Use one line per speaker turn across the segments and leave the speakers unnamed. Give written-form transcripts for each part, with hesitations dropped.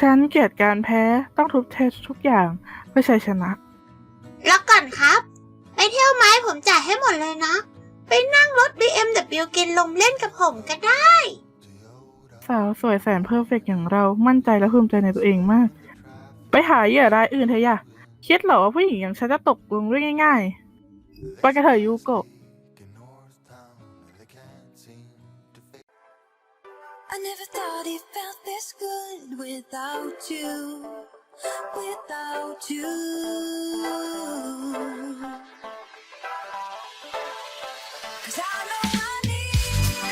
ฉันเกลียดการแพ้ต้องทุบเททุกอย่างเพื่อชัยชนะ
แล้วก่อนครับไปเที่ยวไหมผมจ่ายให้หมดเลยนะไปนั่งรถ BMW กินลมเล่นกับผมก็ได้
สาวสวยแสนเพอร์เฟกต์อย่างเรามั่นใจและภูมิใจในตัวเองมากไปหาเหยื่อรายอื่นเถอะอย่าคิดเหรอว่าผู้หญิงอย่างฉันจะตกลงด้วยง่ายๆไปกันเถอะยูโกะ
I never thought it felt this good without you, without you. 'Cause I know I need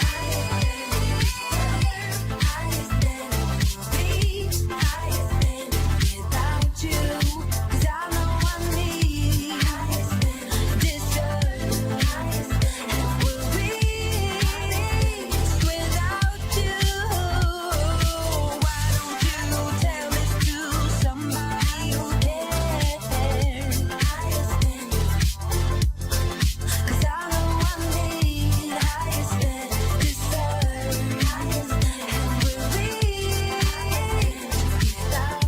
higher standards, higher standards without you. 'Cause I know I need higher standards, deserve higher standards will reach without you. Why don't you tell this to somebody who cares? Higher standards. 'Cause I know I need higher standards, deserve higher standards, and will reach without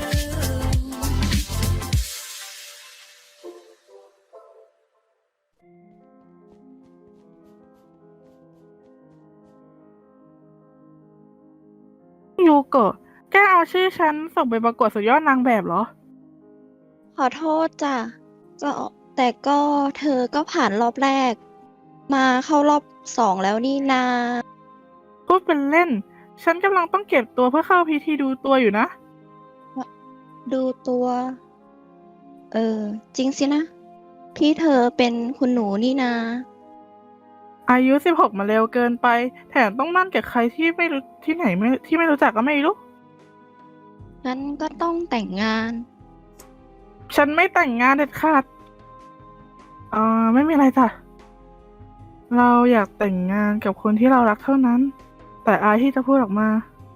you.
ยูโกะแกเอาชื่อฉันส่งไปประกวดสุดยอดนางแบบเหรอ
ขอโทษจ้ะก็แต่ก็เธอก็ผ่านรอบแรก มาเข้ารอบ2แล้วนี่นา
พูดเป็นเล่น ฉันกำลังต้องเก็บตัวเพื่อเข้าพิธีดูตัวอยู่นะ
ดูตัว จริงสินะ พี่เธอเป็นคุณหนูนี่นา
อายุ16มาเร็วเกินไป แถมต้องมั่นกับใครที่ไม่รู้ที่ไหนไม่ที่ไม่รู้จักก็ไม่รู้
งั้นก็ต้องแต่งงาน
ฉันไม่แต่งงานเด็ดขาดไม่มีอะไรจ้ะ เราอยากแต่งงานกับคนที่เรารักเท่านั้น แต่อายที่จะพูดออกมา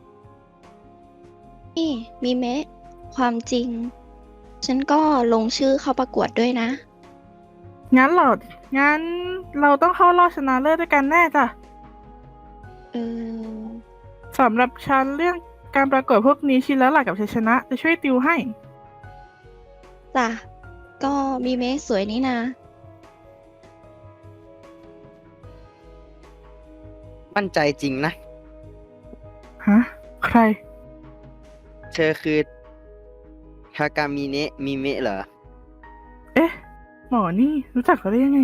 นี่มีเมะ ความจริง ฉันก็ลงชื่อเข้าประกวดด้วยนะ
งั้นเหรอ งั้นเราต้องเข้ารอบชนะเลิศด้วยกันแน่จ้ะ
เออ
สำหรับฉันเรื่องการประกวดพวกนี้ชินแล้วหลักกับชัยชนะจะช่วยติวให้
จ้ะ ก็มีเมะสวยนี่นา
มั่นใจจริงนะ
ฮะ ใคร
เธอคือทากามิเนะมิเมะเหรอ
เอ๊ะ หมอนี่รู้จักเขาได้ยังไง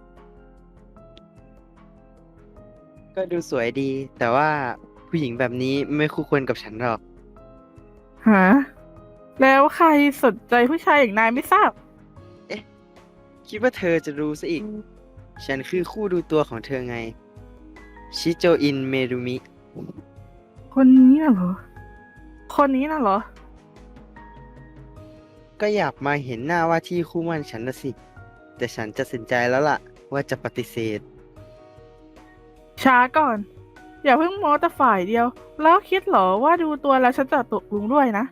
ก็ดูสวยดี แต่ว่าผู้หญิงแบบนี้ไม่คู่ควรกับฉันหรอก
ฮะ แล้วใครสนใจผู้ชายอย่างนายไม่ทราบ
คิดว่าเธอจะรู้ซะอีก ฉันคือคู่ดูตัวของเธอไง ชิโจอินเมรุมิ
คนนี้น่ะเหรอ คนนี้น่ะเหรอ
ก็อยากมาเห็นหน้าว่าที่คู่หมั่นฉันนะสิ แต่ฉันจะตัดสินใจแล้วล่ะ ว่าจะปฏิเสธ
ช้าก่อน อย่าเพิ่งโม้แต่ฝ่ายเดียว แล้วคิดเหรอว่าดูตัวแล้วฉันจะตกลงด้วยนะ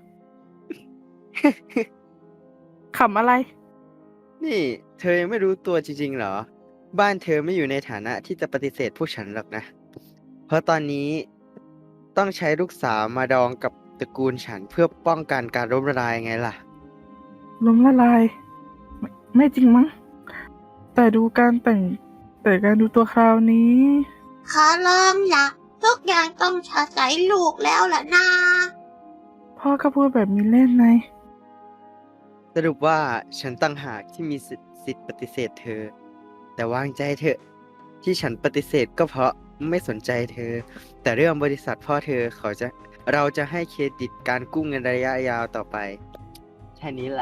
ขำอะไร
นี่เธอยังไม่รู้ตัวจริงๆเหรอ บ้านเธอไม่อยู่ในฐานะที่จะปฏิเสธพวกฉันหรอกนะ เพราะตอนนี้ต้องใช้ลูกสาวมาดองกับตระกูลฉันเพื่อป้องกันการล้มละลายไงล่ะ
ล้มละลาย ไม่จริงมั้ง แต่การดูตัวคราวนี้
ขอร้องล่ะทุกอย่างต้องชาใส่ลูกแล้วล่ะนะ
พ่อก็พูดแบบมีเล่นไง
สรุปว่าฉันตั้งหากที่มีสิทธิ์ปฏิเสธเธอ แต่วางใจเถอะ ที่ฉันปฏิเสธก็เพราะไม่สนใจเธอ แต่เรื่องบริษัทพ่อเธอเราจะให้เครดิตการกู้เงินระยะยาวต่อไป แค่นี้แหละ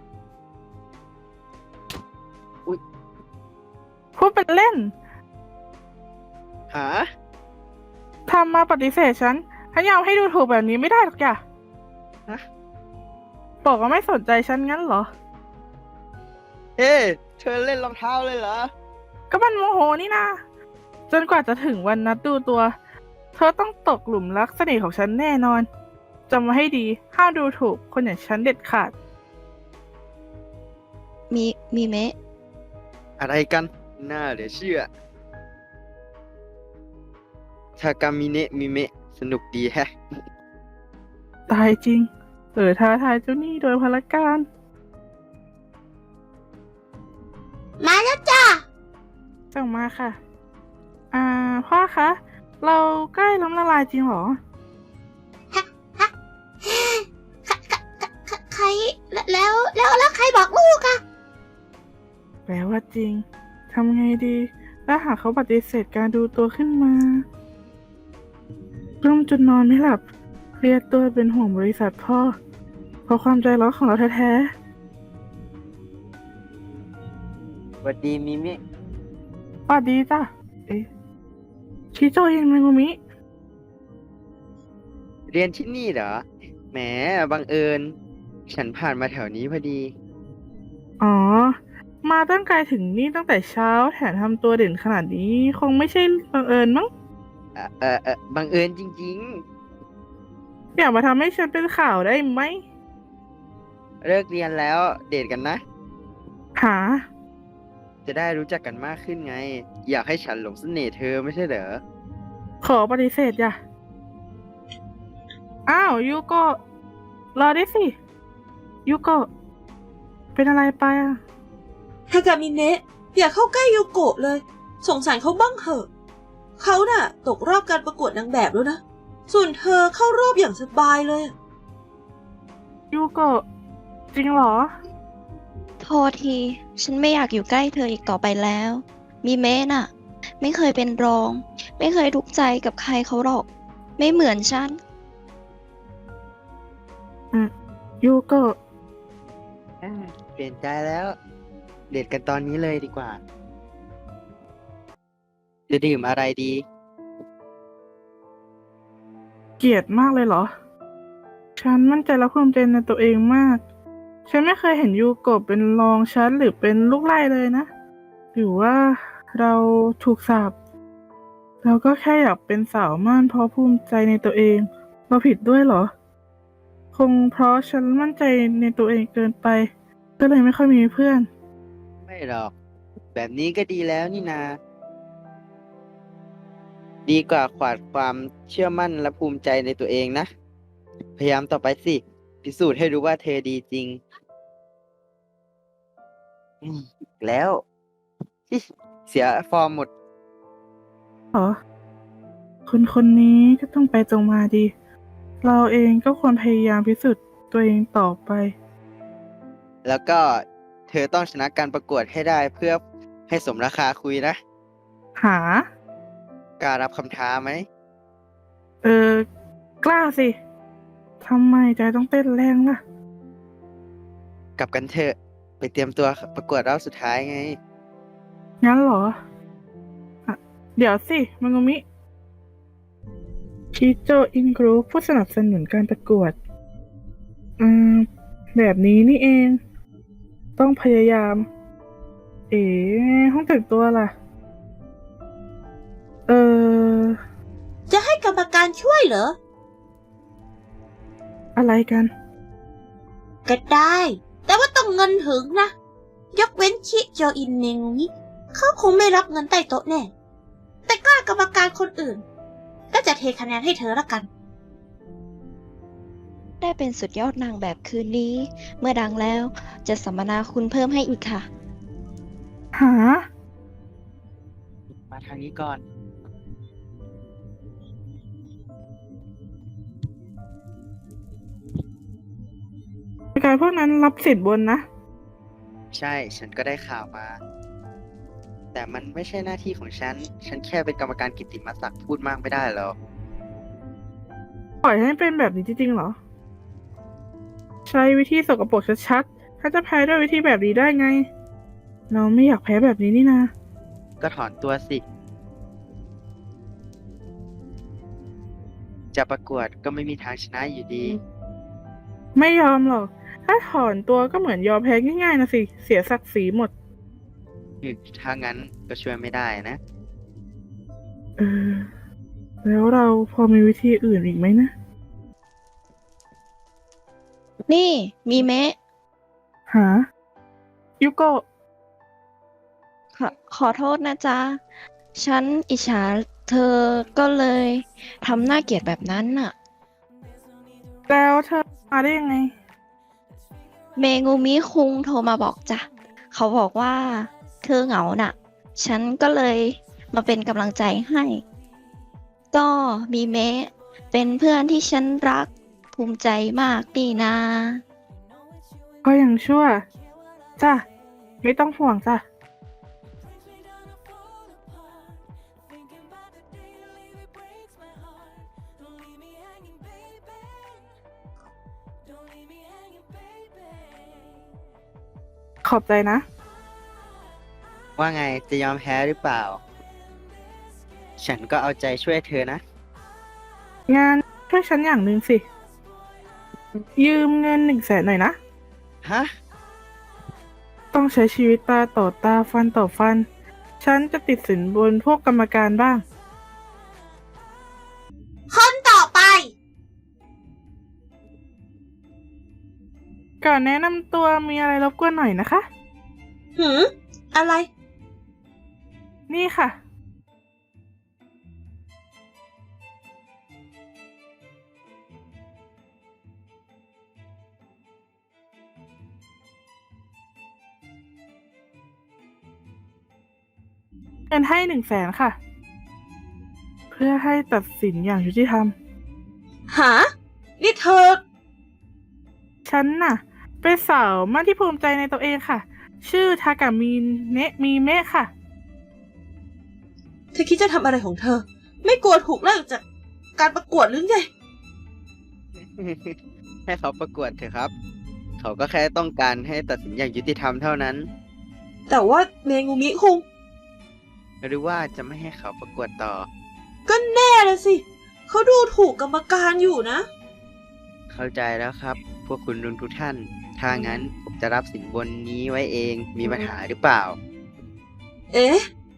พูดเป็นเล่น
หา
ทำมาปฏิเสธฉันยอมให้ดูถูกแบบนี้ไม่ได้หรอกจ้ะ
ฮะ
บอกว่าไม่สนใจฉันงั้นเหรอ
เฮ้เธอเล่นรองเท้าเลยเหรอ
ก็มันโมโหนี่นะจนกว่าจะถึงวันนัดดูตัว เธอต้องตกหลุมรักเสน่ห์ของฉันแน่นอนจำไว้ให้ดีห้ามดูถูกคนอย่างฉันเด็ดขาด
มีเมะ
อะไรกัน น่าเหลือเชื่อ ทากามิเนะมิเมะสนุกดีแฮะ
ตายจริงท้าทายเจ้าหนี้โดยพลการ
มาแล้วจ้า
ส่งมาค่ะ พ่อคะ เราใกล้ล้มละลายจริงเหรอ
ใครแล้วใครบอกลูกอะ
แปลว่าจริง ทำไงดี ถ้าหากเขาปฏิเสธการดูตัวขึ้นมากลุ้มจนนอนไม่หลับ เครียดตัวเป็นห่วงบริษัทพ่อ เพราะความใจร้อนของเราแท้
สวัสดีมิมิ
ๆสวัสดีจ้ะ ชิโจเองมังุมิ
เรียนที่นี่เหรอ แหมบังเอิญ ฉันผ่านมาแถวนี้พอดี
อ๋อ มาตั้งไกลถึงนี่ตั้งแต่เช้า แถมทำตัวเด่นขนาดนี้ คงไม่ใช่บังเอิญมั้ง
บังเอิญจริง
อย่ามาทำให้ฉันเป็นข่าวได้ไหม
ๆ เลิกเรียนแล้วเดทกันนะ
หา
จะได้รู้จักกันมากขึ้นไง อยากให้ฉันหลงเสน่ห์เธอไม่ใช่เหรอ
ขอปฏิเสธอย่ะ อ้าวยูโกะรอได้สิยูโกะเป็นอะไรไปอ่ะ
ฮากามิเนะอย่าเข้าใกล้โยโกะเลย สงสารเขาบ้างเถอะเขาน่ะ ตกรอบการประกวดนางแบบแล้วนะ ส่วนเธอเข้ารอบอย่างสบายเลย
ยูโกะจริงเหรอ
โทษที ฉันไม่อยากอยู่ใกล้เธออีกต่อไปแล้ว มีเมะน่ะ ไม่เคยเป็นรอง ไม่เคยทุกข์ใจกับใครเขาหรอก ไม่เหมือนฉัน
ยูโกะ
เปลี่ยนใจแล้ว เดทกันตอนนี้เลยดีกว่า จะดื่มอะไรดี
เกลียดมากเลยเหรอ ฉันมั่นใจและภูมิใจในตัวเองมาก ฉันไม่เคยเห็นยูโกะเป็นรองฉันหรือเป็นลูกไล่เลยนะ หรือว่าเราถูกสาปเราก็แค่อยากเป็นสาวม่านเพราะภูมิใจในตัวเอง เราผิดด้วยเหรอ คงเพราะฉันมั่นใจในตัวเองเกินไป ก็เลยไม่ค่อยมีเพื่อน
ไม่หรอก แบบนี้ก็ดีแล้วนี่นา ดีกว่าขาดความเชื่อมั่นและภูมิใจในตัวเองนะ พยายามต่อไปสิ พิสูจน์ให้รู้ว่าเธอดีจริงแล้ว อิ๊ะเสียฟอร์มหมด
เหรอคนคนนี้ก็ต้องไปตรงมาดี เราเองก็ควรพยายามพิสูจน์ตัวเองต่อไป
แล้วก็เธอต้องชนะการประกวดให้ได้เพื่อให้สมราคาคุยนะ
หา
กล้ารับคำท้าไหม
กล้าสิ ทำไมใจต้องเต้นแรงล่ะ
กลับกันเถอะ ไปเตรียมตัวประกวดรอบสุดท้ายไง
งั้นเหรออะเดี๋ยวสิมังุมิ ชิโจอินกรุ๊ปผู้สนับสนุนการประกวด แบบนี้นี่เอง ต้องพยายาม ห้องแต่งตัวล่ะ
จะให้กรรมการช่วยเหรอ
อะไรกัน
ก็ได้ แต่ว่าต้องเงินถึงนะ ยกเว้นชิโจอินเนงนี้เขาคงไม่รับเงินใต้โต๊ะแน่ แต่ก็กรรมการคนอื่น ก็จะเทคะแนนให้เธอละกัน
ได้เป็นสุดยอดนางแบบคืนนี้ เมื่อดังแล้วจะสัมมนาคุณเพิ่มให้อีกค่ะ
หา
มาทางนี้ก่อน
การพวกนั้นรับสิทธิ์บนนะ
ใช่ ฉันก็ได้ข่าวมา แต่มันไม่ใช่หน้าที่ของฉัน ฉันแค่เป็นกรรมการกิตติมศักดิ์พูดมากไม่ได้หรอก
ปล่อยให้เป็นแบบนี้จริงๆเหรอ ใช้วิธีสกปรกชัดๆถ้าจะแพ้ด้วยวิธีแบบนี้ได้ไง เราไม่อยากแพ้แบบนี้นี่นะ
ก็ถอนตัวสิ จะประกวดก็ไม่มีทางชนะอยู่ดี
ไม่ยอมหรอก ถ้าถอนตัวก็เหมือนยอมแพ้ง่ายๆนะสิ เสียศักดิ์ศรีหมด
ถ้างั้นก็ช่วยไม่ได้นะ
แล้วเราพอมีวิธีอื่นอีกไหมนะ
นี่มีเมะ
หา ยูโกะ
ขอโทษนะจ๊ะ ฉันอิจฉาเธอก็เลยทำหน้าเกลียดแบบนั้นน่ะ
แล้วเธอมาได้ยังไง
เมงูมิคุงโทรมาบอกจ้ะ เขาบอกว่าเธอเหงาน่ะ ฉันก็เลยมาเป็นกำลังใจให้ ก็มีเมะเป็นเพื่อนที่ฉันรักภูมิใจมากดีนะ
ก็ยังชั่ว จ้ะ ไม่ต้องห่วงจ้ะ ขอบใจนะ
ว่าไงจะยอมแพ้หรือเปล่า ฉันก็เอาใจช่วยเธอนะ
งานช่วยฉันอย่างหนึ่งสิ ยืมเงิน100,000หน่อยนะ
ฮะ
ต้องใช้ชีวิตตาต่อตาฟันต่อฟัน ฉันจะติดสินบนพวกกรรมการบ้าง
คนต่อไป
ก่อนแนะนำตัวมีอะไรรบกวนหน่อยนะคะ
หืม อะไร
นี่ค่ะ เงินให้100,000ค่ะ เพื่อให้ตัดสินอย่างยุติธรรม
หา นี่เธอ
ฉันน่ะ เป็นสาวมากที่ภูมิใจในตัวเองค่ะ ชื่อทากามิเนะมีเมะค่ะ
เธอคิดจะทำอะไรของเธอ ไม่กลัวถูกไล่ออกจากการประกวดหรือไง
ให้เขาประกวดเถอะครับ เขาก็แค่ต้องการให้ตัดสินอย่างยุติธรรมเท่านั้น
แต่ว่าเมงูมิคุง
หรือว่าจะไม่ให้เขาประกวดต่อ
ก็แน่ละสิ เขาดูถูกกรรมการอยู่นะ
เข้าใจแล้วครับ พวกคุณลุงทุกท่าน ถ้างั้นผมจะรับสินบนนี้ไว้เอง มีปัญหาหรือเปล่า
เอ๊ะ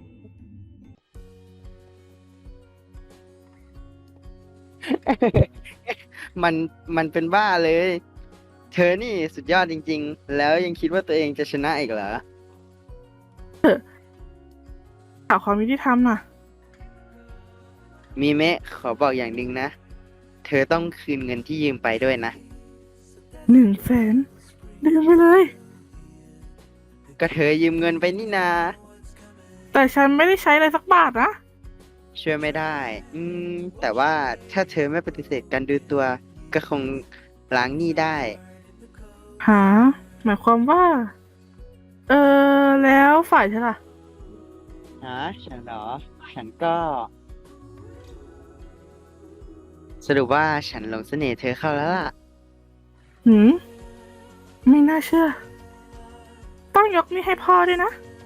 มันเป็นบ้าเลย เธอนี่สุดยอดจริงๆ แล้วยังคิดว่าตัวเองจะชนะอีกเหรอ
หาความยุติธรรมน่ะ
มีเมะขอบอกอย่างหนึ่งนะ เธอต้องคืนเงินที่ยืมไปด้วยนะ
100,000ลืมไปเลย
ก็เธอยืมเงินไปนี่นา
แต่ฉันไม่ได้ใช้เลยสักบาทนะ
ช่วยไม่ได้ แต่ว่าถ้าเธอไม่ปฏิเสธการดูตัว ก็คงล้างหนี้ได้
หา หมายความว่า แล้วฝ่ายฉันล่ะ
ฉันเหรอ ฉันก็ สรุปว่าฉันหลงเสน่ห์เธอเข้าแล้วล่ะ
หืม ไม่น่าเชื่อ ต้องยกนี่ให้พ่อด้วยนะ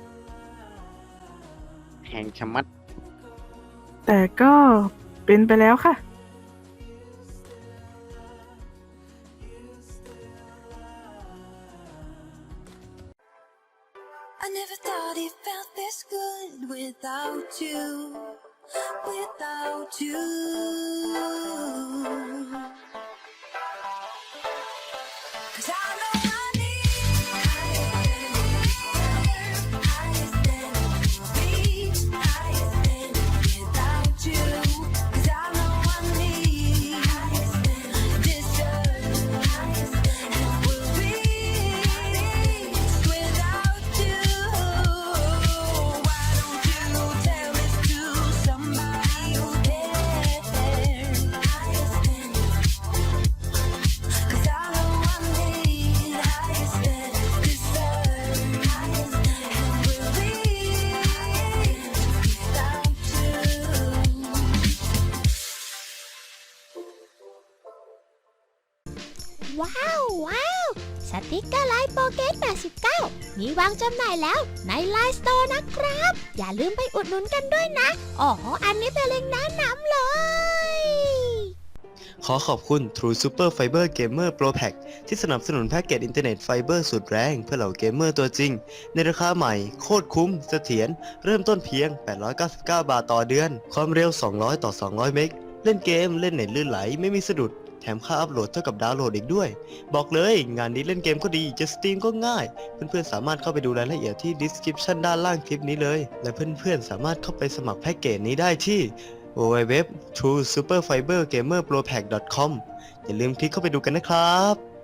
แหงชะมัด
แต่ก็เป็นไปแล้วค่ะ
I never thought it felt this good without you, without you. 'Cause I know I need higher than reach, higher than without you. 'Cause I know I need deserve and will reach without you. Why don't you tell this to somebody who cares? 'Cause I know I need higher than deserve and will reach without you.
ว้าว ว้าว สติกเกอร์ไลน์โปเกต89 มีวางจำหน่ายแล้วในไลน์สโตร์นะครับ อย่าลืมไปอุดหนุนกันด้วยนะ อ๋อ อันนี้เป็นเล็งก์แนะนำเลย
ขอขอบคุณ True Super Fiber Gamer Pro Pack ที่สนับสนุนแพ็กเกจอินเทอร์เน็ตไฟเบอร์สุดแรงเพื่อเหล่าเกมเมอร์ตัวจริง ในราคาใหม่ โคตรคุ้มเสถียรเริ่มต้นเพียง 899 บาทต่อเดือน ความเร็ว 200 ต่อ 200 เมกเล่นเกมเล่นเน็ตลื่นไหลไม่มีสะดุด แถมค่าอัพโหลดเท่ากับดาวน์โหลดอีกด้วย บอกเลยงานนี้เล่นเกมก็ดี จะสตรีมก็ง่าย เพื่อนๆสามารถเข้าไปดูรายละเอียดที่ description ด้านล่างคลิปนี้เลย และเพื่อนๆสามารถเข้าไปสมัครแพ็กเกจนี้ได้ที่ www.truesuperfibergamerpropack.com อย่าลืมคลิกเข้าไปดูกันนะครับ